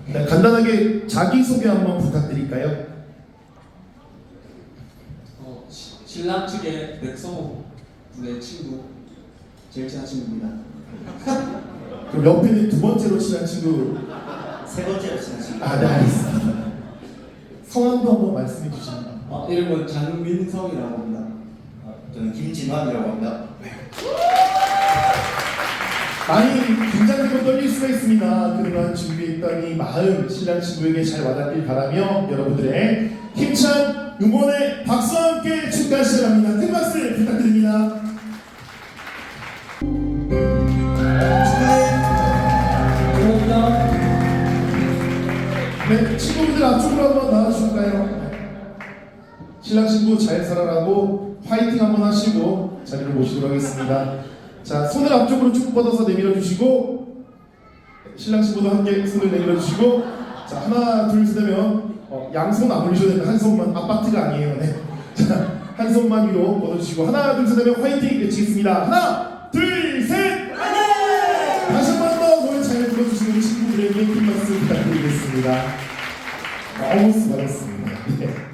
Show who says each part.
Speaker 1: 네, 간단하게 자기소개 한번 부탁드릴까요?
Speaker 2: 신랑 측의 백성호 분의 친구, 제일 친한 친구입니다.
Speaker 1: 그럼 옆에 있는 두 번째로 친한 친구.
Speaker 3: 세 번째로 친한 친구.
Speaker 1: 네, 알겠습니다. 성함도 한번 말씀해 주시면.
Speaker 2: 이름은 장민성이라고 합니다.
Speaker 3: 저는 김진환이라고 합니다.
Speaker 1: 많이 긴장되고 떨릴 수가 있습니다. 그동안 준비했던 이 마음 신랑 친구에게 잘 와닿길 바라며 여러분들의 힘찬 응원의 박수와 함께 축하 시작합니다. 큰 박수 부탁드립니다.
Speaker 2: 감사합니다.
Speaker 1: 네, 친구분들 앞쪽으로 한번 나와주실까요? 신랑 친구 잘 살아라고 화이팅 한번 하시고 자리를 모시도록 하겠습니다. 자, 손을 앞쪽으로 쭉 뻗어서 내밀어 주시고 신랑 친구도 함께 손을 내밀어 주시고 자, 하나 둘 셋 하면 양손 안 올리셔도 됩니다. 한 손만, 아파트가 아니에요. 네. 자, 한 손만 위로 뻗어주시고 하나 둘 셋 하면 화이팅 외치겠습니다. 하나 둘 셋! 다시 한 번 더 노래 잘 불러주시는 우리 친구들에게 큰 박수 부탁드리겠습니다. 너무 수고하셨습니다. 네.